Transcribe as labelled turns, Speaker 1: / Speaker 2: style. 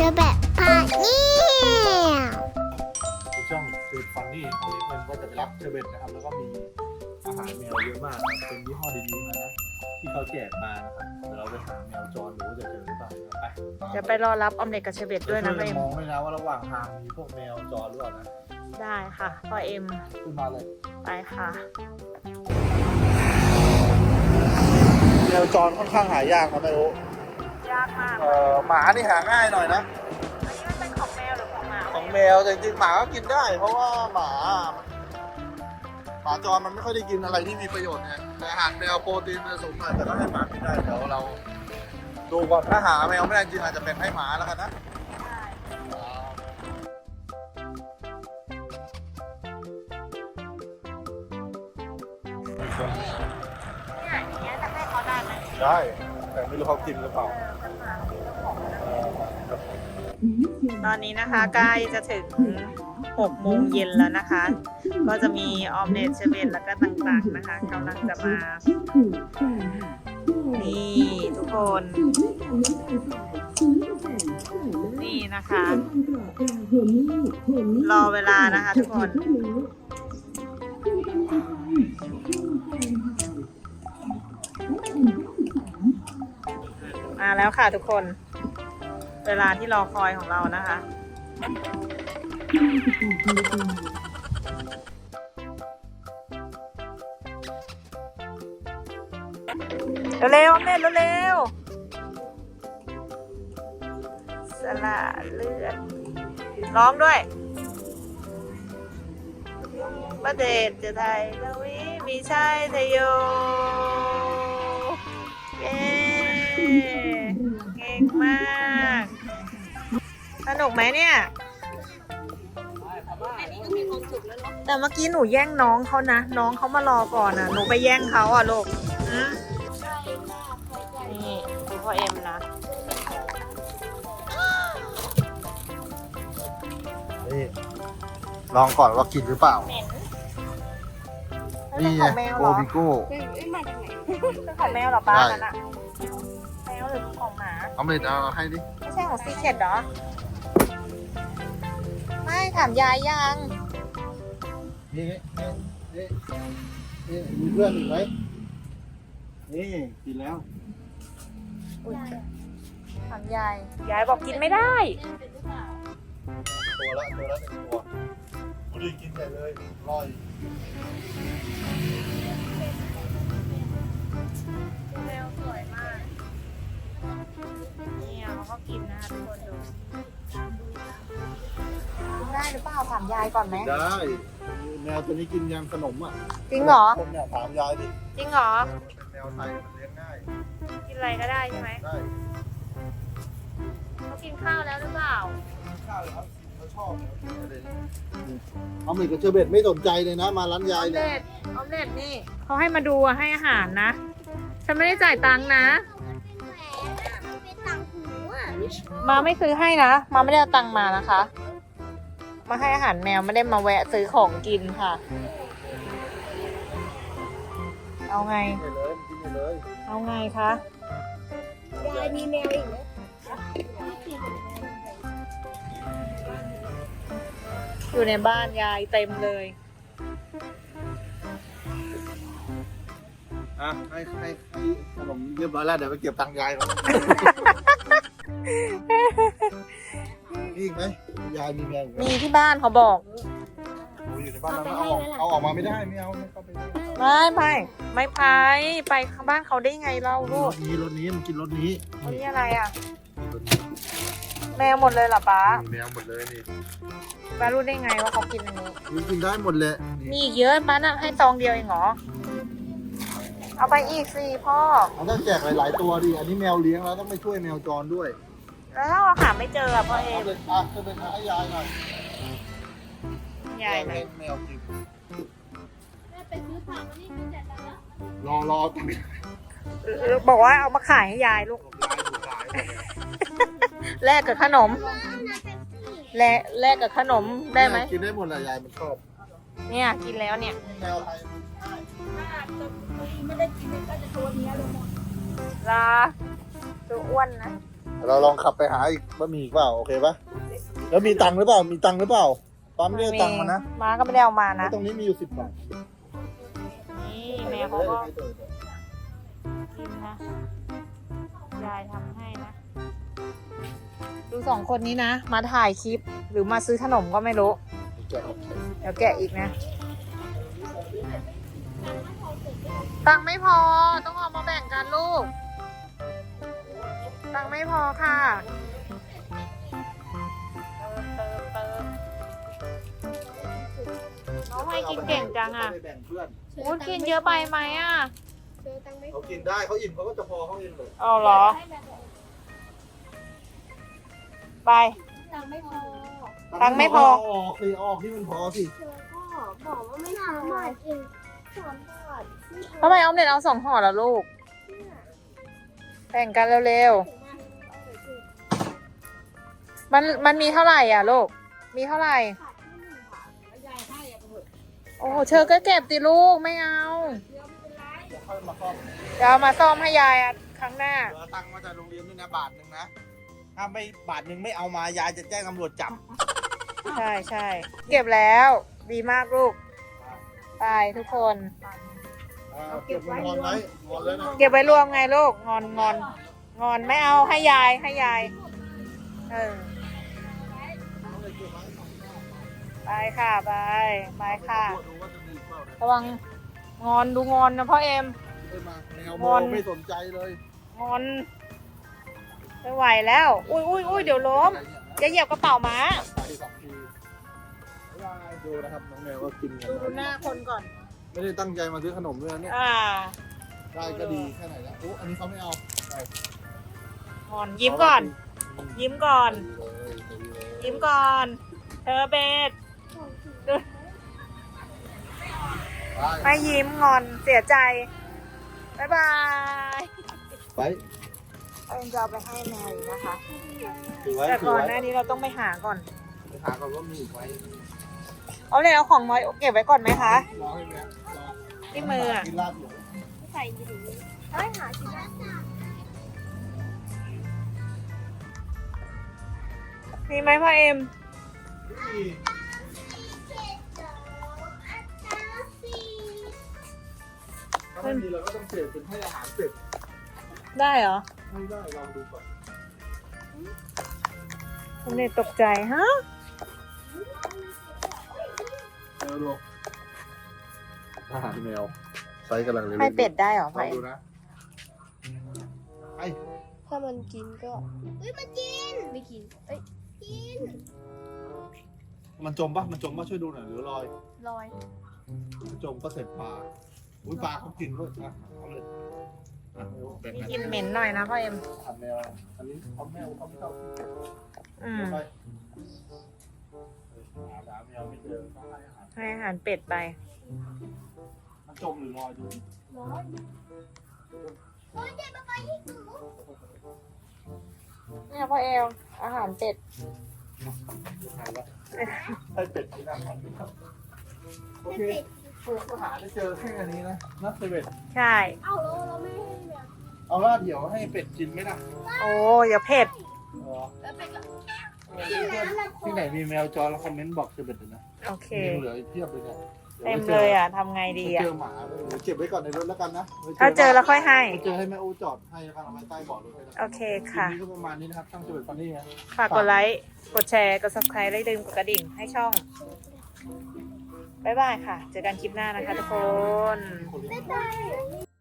Speaker 1: อแบบพาเนี่ย
Speaker 2: คือช่องคือฟันนี่ของเพื่อนก็จะไปรับเชอร์เบตนะครับแล้วก็มีอาหารแมวเยอะมากครับเป็นยี่ห้อดีๆนะที่เขาแจกมานะครับเดี๋ยวเราไปหาแมวจรดูว่าจะเจอหรือเปล่าไป
Speaker 3: เดี๋ยวไปรอรับออมเล็ตกับเชอร์เบตด้วยนะพ่อเอ็ม
Speaker 2: มองไว้นะว่าระหว่างทางมีพวกแมวจรหรือเปล่านะ
Speaker 3: ได้ค่ะพ่อเอ็ม
Speaker 2: ขึ้นมาเลย
Speaker 3: ไปค่ะ
Speaker 2: แมวจรค่อนข้างหายากนะไม่รู้
Speaker 3: ยากมาก
Speaker 2: หมานี่หาง่ายหน่อยนะ
Speaker 3: อันนี้มันเป็นของแมวหรือของหมา
Speaker 2: ของแมวแต่จริงๆหมาก็กินได้ เพราะว่าหมาจรมันไม่ค่อยได้กินอะไรที่มีประโยชน์ไงแต่อาหารแมวโปรตีนมันสูงหน่อยแต่ก็ให้หมากินได้เดี๋ยวเราดูก่อนถ้าหาแมวไม่ได้จริงอาจจะเป็นให้หมาแล้วกันนะ
Speaker 3: เนี่ยอย่างเงี้ยจะให้เขาได้ไหม
Speaker 2: ได้แต่ไม่รู้เขากินหรือเปล่า
Speaker 3: ตอนนี้นะคะใกล้จะถึง6 โมงเย็นแล้วนะคะ ก็จะมีออมเล็ตเชอร์เบตแล้วก็ต่างๆนะคะกำลังจะมา นี่ทุกคน นี่นะคะ รอเวลานะคะทุกคน มาแล้วค่ะทุกคน เวลาที่รอคอยของเรานะคะ เร็วๆแม่เร็วๆสละเลือดร้องด้วยประเดชจะไทยละวิมีชัยทยโยเย้เก่งมากสนุกไหมเนี่ยแต่เมื่อกี้หนูแย่งน้องเขานะ น้องเขามารอก่อนนะหนูไปแย่งเขาอ่ะลูกนี่ดูพ่อเอ็มนะ
Speaker 2: นี่ลองก่อนว่ากินหรือเปล่า
Speaker 3: เหม็น
Speaker 2: นี่
Speaker 3: นี่
Speaker 2: ไง
Speaker 3: ของแมว
Speaker 2: โอ
Speaker 3: เหรอ
Speaker 2: บิโก้
Speaker 3: เป็นของแมวเหรอป้านั่นอะแมวหรือของหมา
Speaker 2: เอาเลยเอาให้ดิ
Speaker 3: ไม่ใช่ของซีเคทเหรอ ไม่ถามยายยัง
Speaker 2: นี่มีเพื่อนอีกไหมนี่กินแล้ว
Speaker 3: อุ๊ยถามยาย ยายบอกกินไม่ได้
Speaker 2: ตัวละหนึ่งตัวบุรีกินใหญ่เลยอร่อย
Speaker 3: แมวสวยมากเนี่ยเขาก็กินนะคะทุกคนดูกินได้หรือเปล่าถามยายก่อนไหม
Speaker 2: ได้แมวตัวนี้กินยังขนมอ่ะ
Speaker 3: จริงเหรอ
Speaker 2: คนเนี่ยถามยายดิ
Speaker 3: จริงเหรอ
Speaker 2: เป็นแมวไทยมันเลี้ยงง่าย
Speaker 3: กินอะไรก็ได้ใช่ไหม
Speaker 2: ได้
Speaker 3: เขากินข้าวแล้วหรือเปล่า
Speaker 2: ข้าวครับเขาชอบเอาหมี่กับเชอร์เบตไม่สนใจเลยนะ มาร้านยายเนี่ย
Speaker 3: ออมเล็ตนี่เขาให้มาดูอะให้อาหารนะ ฉันไม่ได้จ่ายตังค์นะ มาไม่ซื้อให้นะ มาไม่ได้เอาตังค์มานะคะ มาให้อาหารแมวไม่ได้มาแวะซื้อของกินค่ะ เอาไง
Speaker 2: กินเลยกินเลย
Speaker 3: เอาไงคะ
Speaker 1: ยายมีแมวอีกไหม
Speaker 3: อยู่ในบ้านยายเต็มเลย
Speaker 2: อ่ะให้ขนมเรียบร้อยแล้วเดี๋ยวไปเก็บตังค์ยายก่อนมีอีกไหมยายมีแมวอีกไหม
Speaker 3: มีที่บ้านเขาบอก
Speaker 2: โอ้ยอยู่ในบ้านเราเอาออกมาไม่ได้ไม่เอาไม่เข้าไปได้
Speaker 3: ไม่ไปข้างบ้านเขาได้ไงเล่าลู
Speaker 2: ร
Speaker 3: ก
Speaker 2: ถนี้มันกินรถนี้
Speaker 3: อันนี้อะไรอ่ะ แมวหมดเลยเหรอป้า
Speaker 2: แมวหมดเลยนี่
Speaker 3: ป้ารู้ได้ไงว่าเขากินอันนี้
Speaker 2: กินได้หมดเลย
Speaker 3: มีอีกเยอะป้าน่ะให้ซองเดียวเองเหรอ เอาไปอีกสิพ่อ
Speaker 2: เขาต้องแจกหลายๆตัวดิอันนี้แมวเลี้ยงแล้วต้องไปช่วยแมวจรด้วย
Speaker 3: แล้วถ้าเราหาไม่เจออะพ่อเอ
Speaker 2: เอา
Speaker 3: ม
Speaker 2: เลยจะเป็นให้ยายหน่อย
Speaker 3: ใหญ่ไหน
Speaker 2: แมวกิน
Speaker 1: แม่ไปซื้อผักนี่มีแต่ละ
Speaker 2: รอตังค์ยาย
Speaker 3: บอกว่าเอามาขายให้ยายลูก
Speaker 2: ถูกขายหมดเลย
Speaker 3: แลกกับขนม แลกกับขนมได้ไหม
Speaker 2: กินได้หมดแหละยายมันชอบ
Speaker 3: เนี่ยกินแล้วเนี่ย
Speaker 2: แมวไทย
Speaker 1: ไม่ได้กินก็จะตัวเนี้ยเลยหมด
Speaker 3: ลาตัวอ้วนนะ
Speaker 2: ใเราลองขับไปหาอีกบะหมี่อีกเปล่าโอเคปะแล้วมีตังค์หรือเปล่ามีตังค์หรือเปล่าปั๊มไม่ได้ตังค์มานะ
Speaker 3: ม้าก็ไม่ได้เอามานะ
Speaker 2: ตรงนี้มีอยู่10 บาท
Speaker 3: นี่แม่เขาก็กินนะยายทำให้นะ ดูสองคนนี้นะ มาถ่ายคลิปหรือมาซื้อขนมก็ไม่รู้ เดี๋ยวแกะอีกนะ ตังค์ไม่พอต้องเอามาแบ่งกันลูก ตังค์ไม่พอค่ะเติมน้องให้กินเก่งจังอ่ะ
Speaker 2: ไปแบ่งเพื่อน
Speaker 3: อู้กินเยอะไปไหมอ่ะ
Speaker 1: เจอตังค์ไม่
Speaker 2: เขากินได้เขาอิ่มเขาก็จะพอเขาเองเลย
Speaker 3: เอาเหรอ ไป
Speaker 1: ตังค์ไม่พอ
Speaker 3: ตังค์ไม่พอ
Speaker 2: ออกสิออกที่มันพอสิ
Speaker 1: เจอก็บอกว่าไม่ทำหน่อยเอง3 บาท
Speaker 3: ทำไมออมเล็ตเอา2 ห่อแล้วลูก แบ่งกันเร็วๆ มันมีเท่าไหร่อ่ะลูก มีเท่าไหร่ โอ้โหเชอก็เก็บติลูกไม่เอา
Speaker 2: ค่อยมาซ่อม
Speaker 3: เดี๋ยวเอามาซ่อมให้ยายอ่ะครั้งหน้า
Speaker 2: เหลือตังค์มาจากโรงเรียนด้วยนะ1 บาทนะถ้าไม่1 บาทไม่เอามายายจะแจ้งตำรวจจับ
Speaker 3: ใช่ใช่เก็บแล้ว ดีมากลูก ไปทุกคน
Speaker 2: เก็บมันงอนไว้งอนเลยนะ
Speaker 3: เก็บไว้รวมไงลูก งอนไม่เอาให้ยายให้ยาย เออ ไปค่ะไปค่ะ
Speaker 2: ดูว่าจะมีเปล่านะ
Speaker 3: ระวังงอนดูงอนนะพ่อเอ็ม
Speaker 2: ได้มาแมว
Speaker 3: ง
Speaker 2: ม
Speaker 3: อ
Speaker 2: อน งไม่สนใจเลย
Speaker 3: งอนไม่ไหวแล้ว อุ้ยเดี๋ยวล้ม จะเหยียบกระเป๋าม้า
Speaker 2: ไป2 ทีดูนะครับน้องแมวก็กินกัน
Speaker 3: ดูหน้าคนก่อน
Speaker 2: ไม่ได้ตั้งใจมาซื้อขนมด้วยนะเนี่ย ได้ก็ดีแค่ไหนแล้วโอ้อันนี้เขาไม่เอาไป
Speaker 3: งอนยิ้มก่อน ยิ้มก่อน
Speaker 2: ดีเลยดีเลย
Speaker 3: ยิ้มก่อน เธอเบส
Speaker 2: ไป
Speaker 3: ไม่ยิ้มงอนเสียใจ บ๊ายบาย
Speaker 2: ไป
Speaker 3: เอ็มจะเอาไปให้แมวอีกนะคะ
Speaker 2: ถือไว้
Speaker 3: แต่
Speaker 2: ถือ
Speaker 3: ก่อน
Speaker 2: ไว้
Speaker 3: หน้านี้เราต้องไปหาก่อน
Speaker 2: ไปหาก่อนว่ามีอีกไหม
Speaker 3: เอาเลยเอาของน้อยเก็บไว้ก่อนไหมคะ
Speaker 2: รอให้แม่รอ
Speaker 3: ที่มืออะ
Speaker 2: กินลาบอยู่
Speaker 1: ใส่ดีดีเฮ้ยหาชิ้นละ
Speaker 3: มีไหมพ่อเอ็ม
Speaker 2: ถ้าไม่มีเราก็ต้องเสพเป็นให้อาหารเป็ด
Speaker 3: ได้เหรอ
Speaker 2: ไม่ได้ลองดูก่อน
Speaker 3: ผมเนี่ยตกใจฮะ
Speaker 2: ดูอาหารแมวไซส์กำลังเล็กๆ
Speaker 3: ให้เป็ดได้เหรอ
Speaker 2: ล
Speaker 3: พ่อ
Speaker 2: อง
Speaker 3: เอ็
Speaker 2: ดู
Speaker 3: ม
Speaker 2: นะไอ
Speaker 1: ถ้ามันกินก็เฮ้ยมันกินไม่กินเอ้ยกิน
Speaker 2: มันจมปะมันจมปะช่วยดูหน่อยหรือลอย
Speaker 1: ลอย
Speaker 2: มันจมก็เสร็จปลาอุ้ยปลาเขากินด้วยอ่ะเอาเลยอ่ะแบ่ง
Speaker 3: มี
Speaker 2: กัน
Speaker 3: กลินเหม็นหน่อยนะพ่อเอ็ม
Speaker 2: ทำแมวอันนี้เขาแมวเขาไม่เอา
Speaker 3: อืม
Speaker 2: ไปหาแมวไม่เจอก็ให้อาหาร
Speaker 3: ให้อาหารเป็ดไป
Speaker 2: มันจมหรือลอยดู
Speaker 1: ลอยโอ้ยเจ็บมาไปที่หนู
Speaker 3: เนี่ยพ่อเอ็มอาหารเป็ด
Speaker 2: ให้เป็ดกินอาหารครับโอเคเพื่อนก็หาได้เจอแค่อันนี้นะนับเซเว่น
Speaker 3: ใช่
Speaker 1: เอ้าเราไม่ให้แบบ
Speaker 2: เอาล่ะเดี๋ยวให้เป็ดกินไหมล่ะ
Speaker 3: โอ้อย่าเผ็ด
Speaker 1: แล้วไปก็
Speaker 2: ที่ไหนมีแมวจรแล้วคอมเมนต์บอกเซเว่นเลยนะ
Speaker 3: โอเค
Speaker 2: มีเหลืออีกเพียบเลยเนี่ย
Speaker 3: เต็มเลยอ่ะทำไงดี
Speaker 2: เดี๋ยว
Speaker 3: อ่ะ
Speaker 2: เจอหมาเก็บไว้ก่อนในรถแล้วกันนะ
Speaker 3: ถ้าเจอแล้วค่อยให้
Speaker 2: ไปเจอให้แม่อูจอดให้แล้วกันเอาไว้ใต้เบาะรถให้แล้วกัน
Speaker 3: โอเค
Speaker 2: คลิป
Speaker 3: ค่ะ
Speaker 2: นี้ก็ประมาณนี้นะครับช่างเซเว่นฟันนี่นะ
Speaker 3: ฝากกดไลค์ กดแชร์ กด subscribe และอย่าลืมกดกระดิ่งให้ช่อง บ๊ายบายค่ะ เจอกันคลิปหน้านะคะทุกคน
Speaker 2: คนเลี้ยง
Speaker 1: ได้